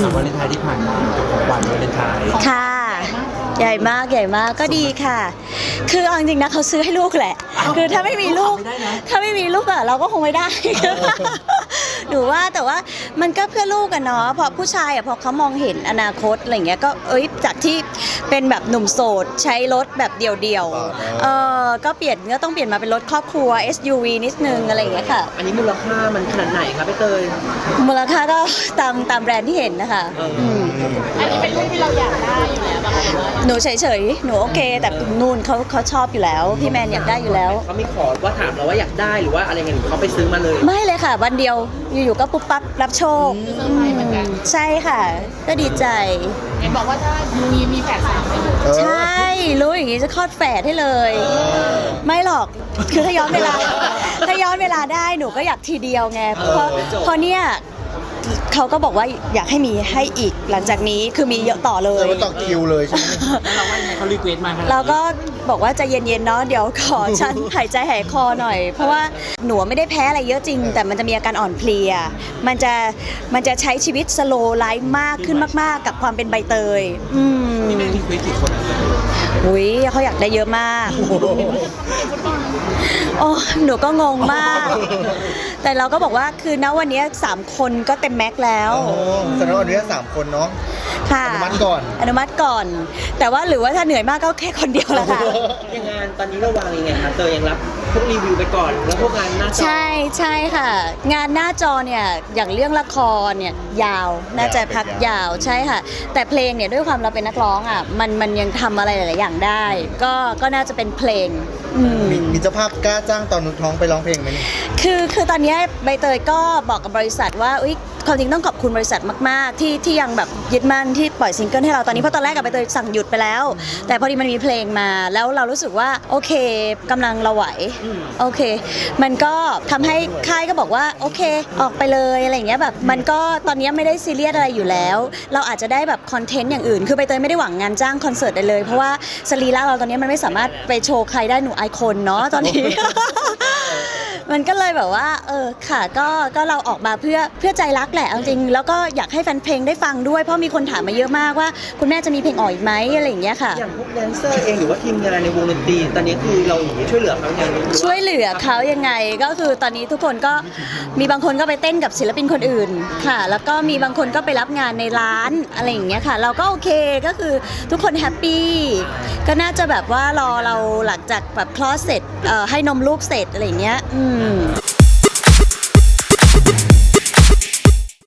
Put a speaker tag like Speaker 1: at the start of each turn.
Speaker 1: วาเลนไทน์ที่ผ่านมากับของขวัญวาเลนไทน์
Speaker 2: ค่ะใหญ่มากก็ดีค่ะคือเอาจริงๆนะเขาซื้อให้ลูกแหละคือถ้าไม่มีลูกอะเราก็คงไม่ได้หนูว่าแต่ว่ามันก็เพื่อลูกกันเนาะเพราะผู้ชายอะพอเขามองเห็นอนาคตอะไรเงี้ยก็จากที่เป็นแบบหนุ่มโสดใช้รถแบบเดี่ยวก็ต้องเปลี่ยนมาเป็นรถครอบครัว SUV นิดนึงอะไรอย่างเงี้ยค่ะ
Speaker 3: อันนี้มูลค่ามันขนาดไหนครับพี่เตย
Speaker 2: มูลค่าก็ตามแบรนด์ที่เห็นนะคะ
Speaker 4: อันนี้เป็นรูปที่เราอยากได้อยู่แล้วป่ะคะ
Speaker 2: หนูเฉยๆหนูโอเคแต่นู่นเขาชอบอยู่แล้วพี่แมนอยากได้อยู่แล้ว
Speaker 3: เขามีขอว่าถามเราว่าอยากได้หรือว่าอะไรเงี้ยเขาไปซื้อมาเลย
Speaker 2: ไม่เลยค่ะวันเดียวอยู่ๆก็ปุ๊บปั๊บรับโชคใช่ค่ะก็ดีใจ
Speaker 4: เห็นบอกว่าถ้ามีแฝดสามไปอยู่
Speaker 2: ใช่รู้อย่างนี้จะคลอดแฝดให้เลยไม่หรอกคือถ้าย้อนเวลาได้หนูก็อยากทีเดียวไงเพราะเนี่ยเขาก็บอกว่าอยากให้มีให้อีกหลังจากนี้คือมีเยอะต่อเลย
Speaker 1: ต่อคิวเลยใช่ไหมแล้วเราว่าไงเขารีเควสมา
Speaker 2: เราก็บอกว่าใจเย็นๆเนาะเดี๋ยวขอฉันหายใจหายคอหน่อยเพราะว่าหนูไม่ได้แพ้อะไรเยอะจริงแต่มันจะมีอาการอ่อนเพลียมันจะใช้ชีวิตสโลว์ไลฟ์มากขึ้นมากๆกับความเป็นใบเตย
Speaker 1: นี่แม่รีเควสกี่คน
Speaker 2: อุ้ยเขาอยากได้เยอะมากโอ้หนูก็งงมากแต่เราก็บอกว่าคือณวันนี้3 คนก็เต็มแม็กแล้ว
Speaker 1: แสดงว่าวันนี้3 คนเนาะ
Speaker 2: ค่ะอนุมัติก่อนแต่ว่าหรือว่าถ้าเหนื่อยมากก็แค่คนเดียวแหละค่ะ
Speaker 3: ยังงานตอนนี้เราวางยังไงคะเตยยังรับพวกรีวิวไปก่อนแล้วพวกงานหน้าจอ
Speaker 2: ใช่ค่ะงานหน้าจอเนี่ยอย่างเรื่องละครเนี่ยยาวน่าจะพักยาวใช่ค่ะแต่เพลงเนี่ยด้วยความเราเป็นนักร้องอ่ะมันยังทำอะไรหลายๆอย่างได้ก็น่าจะเป็นเพลง
Speaker 1: มีเจ้าภาพกล้าจ้างตอนนุชท้องไปร้องเพลงไหม
Speaker 2: คือตอนนี้ใบเตยก็บอกกับบริษัทว่าความจริงต้องขอบคุณบริษัทมากๆที่ยังแบบยึดมั่นที่ปล่อยซิงเกิลให้เราตอนนี้เพราะตอนแรกกับใบเตยสั่งหยุดไปแล้วแต่พอดีมันมีเพลงมาแล้วเรารู้สึกว่าโอเคกำลังเราไหวโอเคมันก็ทำให้ค่ายก็บอกว่าโอเคออกไปเลยอะไรอย่างเงี้ยแบบมันก็ตอนนี้ไม่ได้ซีเรียสอะไรอยู่แล้วเราอาจจะได้แบบคอนเทนต์อย่างอื่นคือใบเตยไม่ได้หวังงานจ้างคอนเสิร์ตได้เลยเพราะว่าสรีระเราตอนนี้มันไม่สามารถไปโชว์ใครได้หนูไอคอนเนาะตอนนี้ มันก็เลยแบบว่าค่ะก็เราออกมาเพื่อใจรักแหละจริงแล้วก็อยากให้แฟนเพลงได้ฟังด้วยเพราะมีคนถามมาเยอะมากว่าคุณแม่จะมีเพลงออกอีกไหมอะไรอย่างเงี้ยค่ะ
Speaker 3: อย่างพวกแดนเซอร์เองหรือว่าทีมงานในวงดนตรีตอนนี้คือเราช่วยเหลือเขายังไง
Speaker 2: ช่วยเหลือเขายังไงก็คือตอนนี้ทุกคนก็มีบางคนก็ไปเต้นกับศิลปินคนอื่นค่ะแล้วก็มีบางคนก็ไปรับงานในร้านอะไรอย่างเงี้ยค่ะเราก็โอเคก็คือทุกคนแฮปปี้ก็น่าจะแบบว่ารอเราหลังจากแบบคลอดเสร็จให้นมลูกเสร็จอะไรอย่างเงี้ย